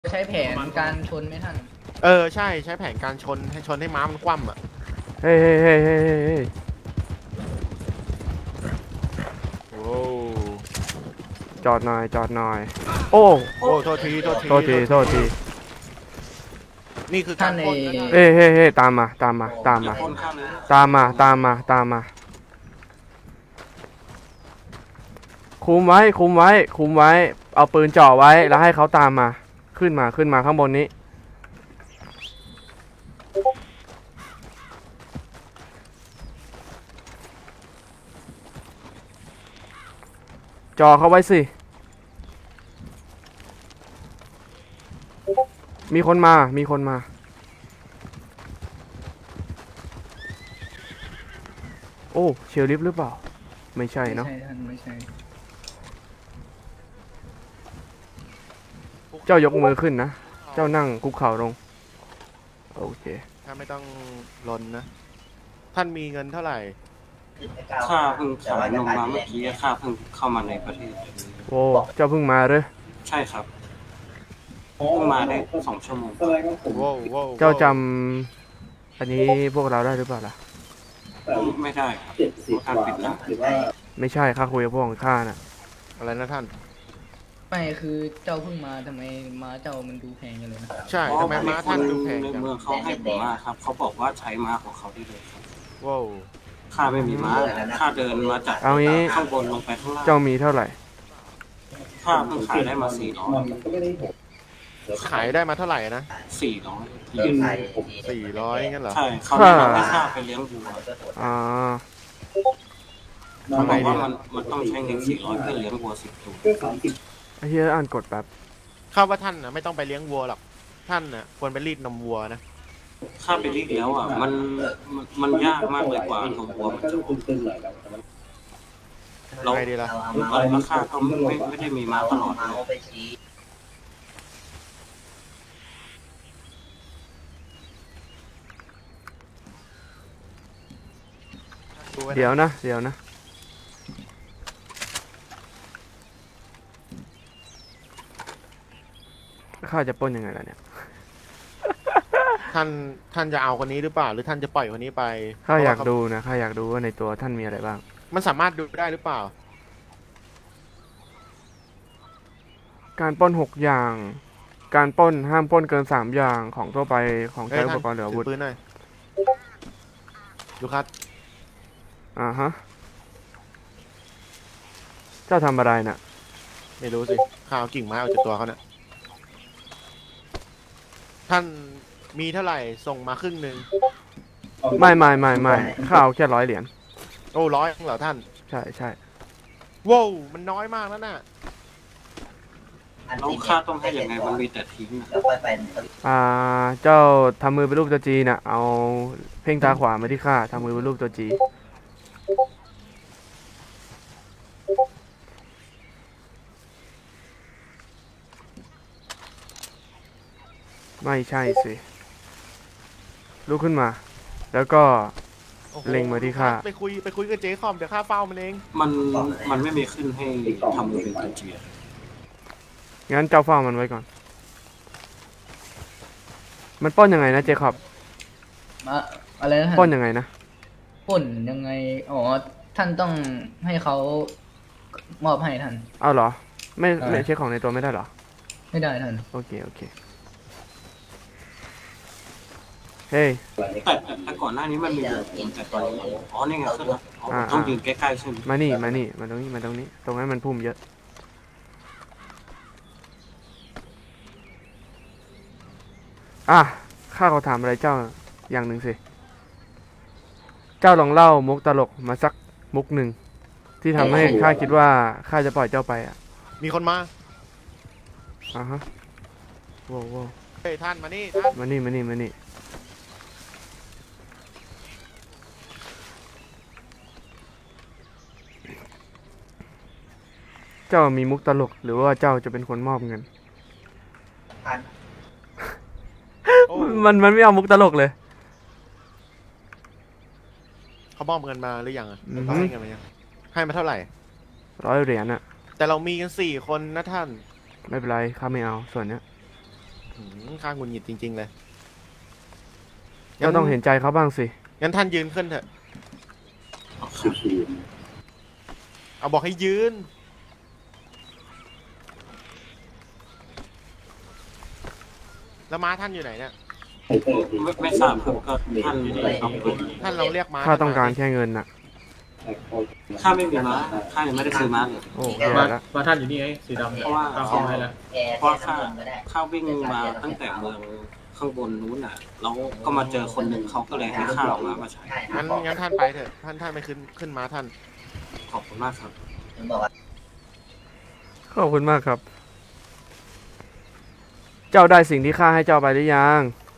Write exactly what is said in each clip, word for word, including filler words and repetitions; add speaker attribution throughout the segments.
Speaker 1: ใช้แผนการชนไหมท่าน
Speaker 2: เออใช่ใช้แผนการชนให้ชนให้ม้ามันคว่ำอ่ะ
Speaker 3: เฮ้ยเฮ้ยเฮ้ยเฮ้ยเฮ้ยเฮ้ย
Speaker 2: โอ้
Speaker 3: จอดหน่อยจอดหน่อยโอ้
Speaker 2: โอ้โทษทีโทษที
Speaker 3: โทษทีโทษที
Speaker 2: นี่คือการปล้นนะท่าน
Speaker 3: เฮ้ยเฮ้ยเฮ้ยตามมาตามมาตามมาตามมาตามมาตามมาคุมไว้คุมไว้คุมไว้เอาปืนจ่อไว้แล้วให้เขาตามมาขึ้นมาขึ้นมาข้างบนนี้จ่อเขาไว้สิมีคนมามีคนมาโอ้เชลลิฟหรือเปล่าไม่ใช่เนาะ
Speaker 1: ไม่ใช่ท่านไม่ใช่
Speaker 3: เจ้ายกมือขึ้นนะเจ้านั่งคุกเข่าลงโอเค
Speaker 2: ถ้าไม่ต้องลนนะท่านมีเงินเท่าไหร่
Speaker 4: ข้าเพิ่งขายนมมาเมื่อกี้ข้าเพิ่งเข้ามาในประเทศ
Speaker 3: โอ้เจ้าเพิ่งมาเลย
Speaker 4: ใช่ครับเพิ่งมาได้สองชั่วโมง
Speaker 2: โว้วโว้ว
Speaker 3: เจ้าจำอันนี้พวกเราได้หรือเปล่าล่ะ
Speaker 4: ไม่ได้ครับการปิดร้าน
Speaker 3: ไม่ใช่ข้าคุยกับพวกของข้าน่ะ
Speaker 2: อะไรนะท่าน
Speaker 1: ไม่คือเจ้าเพิ่งมาทำไมม้าเจ้ามันดูแพงอย่างเลยนะ
Speaker 2: ใช่ทำไมม้าท่านดูแพง
Speaker 4: ใน
Speaker 2: จัง
Speaker 4: เมืองเขาให้ผมมาครับเขาบอกว่าใช้ม้าของเขาได้เลยครับ
Speaker 2: ว้าว
Speaker 4: ข้าไม่มีม้าข้าเดินมาจาก
Speaker 3: เอางี้
Speaker 4: ข้างบนลงไปข้างล่าง
Speaker 3: เจ้ามีเท่าไหร่
Speaker 4: ข้าเพิ่งขายได้มาสี่ร้อย
Speaker 2: ขายได้มาเท่าไหร่นะ
Speaker 4: สี่ร้อย
Speaker 2: สี่ร้อยงั้นเหรอ
Speaker 4: ใช่เขาแนะนำให้ข้าไปเลี้ยงวัว
Speaker 3: อ่า
Speaker 4: เขาบอกว่ามันมันต้องใช้เงินสี่ร้อยเพื่อเลี้ยงวัวสิบตัว
Speaker 3: ไอ้เหี้ยอ่านกดแป๊บ
Speaker 2: ข้าว่าท่านนะไม่ต้องไปเลี้ยงวัวหรอกท่านน่ะควรไปรีดนมวัวนะ
Speaker 4: ข้าไปรีดแล้วอ่ะมันมันมันยากมากเลยกว่านมวัวมันจะออกเรา
Speaker 2: ไงดีล่ะ
Speaker 4: ราคาก็ไม่ไม่ได้มีมาตลอด
Speaker 3: เดี๋ยวนะเดี๋ยวนะข้าจะปล้นยังไงล่ะเนี่ย
Speaker 2: ท่านท่านจะเอาคนนี้หรือเปล่าหรือท่านจะปล่อยคนนี้ไป
Speaker 3: ข้าอยากดูนะข้าอยากดูว่าในตัวท่านมีอะไรบ้าง
Speaker 2: มันสามารถดูได้หรือเปล่า
Speaker 3: การปล้นหกอย่างการปล้นห้ามปล้นเกินสามอย่างของทั่วไปของใช้อุปกรณ์เหลืออาวุธ
Speaker 2: ปืนหน่อยดูครับ
Speaker 3: อ่าฮะเจ้าทำอะไรน่ะ
Speaker 2: ไม่รู้สิข้าวกิ่งไม้ออกจากตัวเขาเนี่ยท่านมีเท่าไหร่ส่งมาครึ่งหนึ่ง
Speaker 3: ไม่ไม่ไม่ไม่ข้าเอาแค่ร้อยเหรียญ
Speaker 2: โอ้ร้อยเหรอท่าน
Speaker 3: ใช่ใช่
Speaker 2: ว้าวมันน้อยมากแล้วน่ะ
Speaker 4: เราค่าต้องให้ยังไงมันมีแต่ทิ้ง
Speaker 3: อ่าเจ้าทำมือเป็นรูปตัวจีน่ะเอาเพ่งตาขวามาที่ข้าทำมือเป็นรูปตัวจีไม่ใช่สิลุกขึ้นมาแล้วก็เล็งมาที่ข้า
Speaker 2: ไปคุยไปคุยกับเจ๊คอมเดี๋ยวข้าเฝ้ามันเอง
Speaker 4: มันมันไม่มีขึ้นให้ทำมือเป็นตัวจี
Speaker 3: งั้นเจ้าเฝ้ามันไว้ก่อนมันปล้นยังไงนะเจคอบ
Speaker 1: มาอะไรนะ
Speaker 3: ปล้นยังไงนะ
Speaker 1: ปล้นยังไงอ๋อท่านต้องให้เขามอบให้ท่าน
Speaker 3: เอาเหรอไม่ไม่เช็คของในตัวไม่ได้เหรอ
Speaker 1: ไม่ได้ท่าน
Speaker 3: โอเคโอเคเฮ้ย
Speaker 4: แต่แต่ก่อนหน้านี้มันมีอยู่แต่ตอนนี้อ๋อนี่ไงขึ้นแล้วต้องยืนใกล้ๆใช่ไหม
Speaker 3: มานี่มานี่มาตรงนี้มาตรงนี้ตรงนั้นมันพุ่มเยอะอ่ะข้าขอถามอะไรเจ้าอย่างหนึ่งสิเจ้าลองเล่ามุกตลกมาสักมุกหนึ่งที่ทำให้ข้าคิดว่าข้าจะปล่อยเจ้าไปอ่ะ
Speaker 2: มีคนมา
Speaker 3: อ่าฮะว้าวว้าว
Speaker 2: เฮ้ยท่านมานี่ท่าน
Speaker 3: มานี่มานี่มานี่เจ้ามีมุกตลกหรือว่าเจ้าจะเป็นคนมอบเงินมันมันไม่เอามุกตลกเลย
Speaker 2: เขามอบเงินมาหรือยังอ่ะเขาให้เงินมายังให้มาเท่าไหร่
Speaker 3: ร้อยเหรียญอะ
Speaker 2: แต่เรามีกันสี่คนนะท่าน
Speaker 3: ไม่เป็นไรข้าไม่เอาส่วนเนี้ย
Speaker 2: หืมข้างหงุดหงิดจริง ๆ เลย
Speaker 3: ก็ต้องเห็นใจเขาบ้างสิ
Speaker 2: งั้นท่านยืนขึ้นเถอะ เอาบอกให้ยืน แล้วม้าท่านอยู่ไหนเนี่ย
Speaker 4: ไม่ไม่ทราบครับก็ท่านเอาไป
Speaker 2: ท่านลองเรียกม้า
Speaker 3: ข้าต้องการ
Speaker 2: ท่นม
Speaker 3: แค่เงินน่ะ
Speaker 4: ข้าไม่มีม้าข้ายังไม่ได้ซื้อม้าเลย
Speaker 3: โอ้
Speaker 5: มา
Speaker 3: แย่แล้ว
Speaker 5: มาท่านอยู่นี่ไงสีดำเนี่ย
Speaker 4: เพราะว่า
Speaker 5: ตามของให้แล้ว
Speaker 4: เพราะว่าข้าข้าวิ่งมาตั้งแต่เมืองข้างบนนู้นน่ะแล้วก็มาเจอคนหนึ่งเขาก็เลยให้ข้าเอาม้ามาใช้
Speaker 2: งั้นงั้นท่านไปเถอะ ท่านท่านไปขึ้นขึ้นม้าท่าน
Speaker 4: ขอบคุณมากครับ
Speaker 3: ขอบคุณมากครับ เจ้าได้สิ่งที่ข้าให้เจ้าไปหรือยัง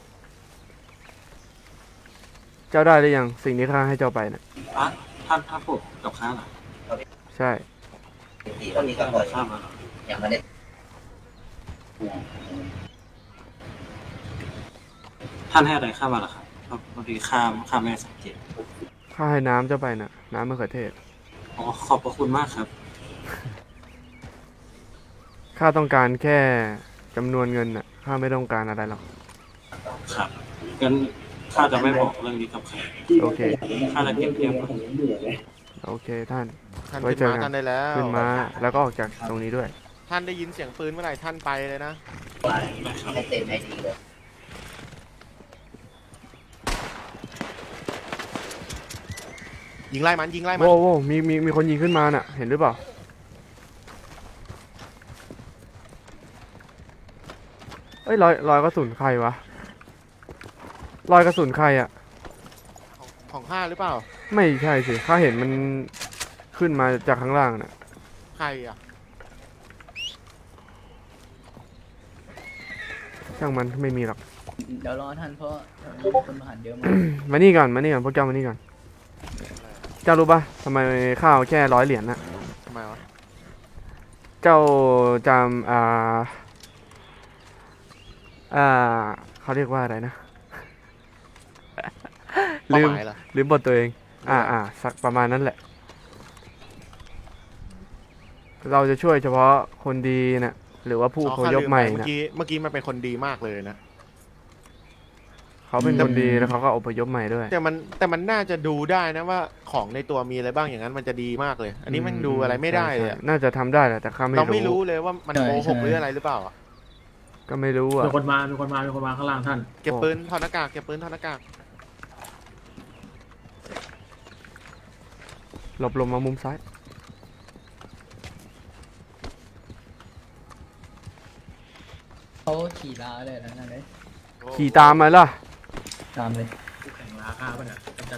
Speaker 3: เจ้าได้หรือยังสิ่งที่ข้าให้เจ้าไปน่ะ
Speaker 4: อ่ะท่านท่านพูดกับข้าเหรอ
Speaker 3: ใช่
Speaker 4: ท่านท่านบอกข้ามาเหรอท่านให้อะไรข้ามาเหรอครับเพราะพอดีข้าข้าไม่ได้สังเกต
Speaker 3: ข้าให้น้ำเจ้าไปน่ะ น้ำมะเขือเทศ
Speaker 4: อ๋อขอบพระคุณมากครับ
Speaker 3: ข้าต้องการแค่จำนวนเงินน่ะ ข้าไม่ต้องการอะไรหรอก
Speaker 4: ครับงั้นข้าจะไม่บอกเรื่องนี้กับใคร
Speaker 3: โอเค
Speaker 4: ข้าจะเก็บเงียบไว้
Speaker 3: โอเคท่าน
Speaker 2: ท่าน
Speaker 3: ไว้
Speaker 2: ขึ้น
Speaker 3: เจอ
Speaker 2: ม้า
Speaker 3: กัน
Speaker 2: ท่านได้แล้ว
Speaker 3: ขึ้นมาแล้วก็ออกจากตรงนี้ด้วย
Speaker 2: ท่านได้ยินเสียงปืนเมื่อไหร่ท่านไปเลยนะ
Speaker 1: ให้เต็มให้ดีเลย
Speaker 2: ยิงไล่มันยิงไล่มัน
Speaker 3: โว้โว้มีมีมีคนยิงขึ้นมาน่ะ เห็นหรือเปล่า เอ้ยรอยรอยกระสุนใครวะ รอยกระสุนใครอ่ะ
Speaker 2: ของของข้าหรือเปล่า
Speaker 3: ไม่ใช่สิข้าเห็นมันขึ้นมาจากข้างล่างน่ะ
Speaker 2: ใครอ่ะ
Speaker 3: ช่างมันไม่มีหรอก
Speaker 1: เดี๋ยวรอท่านเพราะแถวนี้มีคนผ่านเยอะมาก
Speaker 3: มานี่ก่อนมานี่ก่อนพวกเจ้ามานี่ก่อน เจ้ารู้ปะทำไมข้าวแค่ร้อยเหรียญน่ะ
Speaker 2: ทำไมวะ
Speaker 3: เจ้าจำอ่า อ่าเขาเรียกว่าอะไรนะ
Speaker 2: เป้า
Speaker 3: ลืม
Speaker 2: หมายเหรอ
Speaker 3: ลืมบทตัวเอง อ่าอ่าสักประมาณนั้นแหละ เราจะช่วยเฉพาะคนดีน่ะ หรือว่าผู้อ
Speaker 2: อ๋อ
Speaker 3: พ
Speaker 2: ข้าย ลื
Speaker 3: พ
Speaker 2: ม
Speaker 3: ให
Speaker 2: ไป
Speaker 3: ม่
Speaker 2: เมื่อ
Speaker 3: น่ะ
Speaker 2: กี้เมื่อกี้มันเป็นคนดีมากเลยนะ
Speaker 3: เขาเป็นคนดีแล้วเขาก็อพยพใหม่ด้วย
Speaker 2: แต่มันแต่มันน่าจะดูได้นะว่าของในตัวมีอะไรบ้างอย่างนั้นมันจะดีมากเลย อันนี้มันดูอะไรไม่ได้เลยอะ
Speaker 3: ใช่ใช่น่าจะทำได้แหละแต่ข้าไม่
Speaker 2: เราไม่
Speaker 3: รู้
Speaker 2: รู้เลยว่ามัน
Speaker 1: ใช่
Speaker 2: โกหก
Speaker 1: ใช่
Speaker 2: หรืออะไรหรือเปล่าอะ
Speaker 3: ก็ไม่รู้อ่ะ
Speaker 5: มีคนมา มีคนมา มีคนมาข้างล่างท่าน
Speaker 2: เก็บปืนถอดหน้ากากเก็บปืนถอดหน้ากาก
Speaker 3: หลบลงมามุมซ้าย
Speaker 1: เขาขี่ลาเลยนะนั่นเลย
Speaker 3: ขี่ตามมาล่ะ
Speaker 1: ตามเลย
Speaker 5: คู่แข่งราคาป่ะเนี่ยกำจัด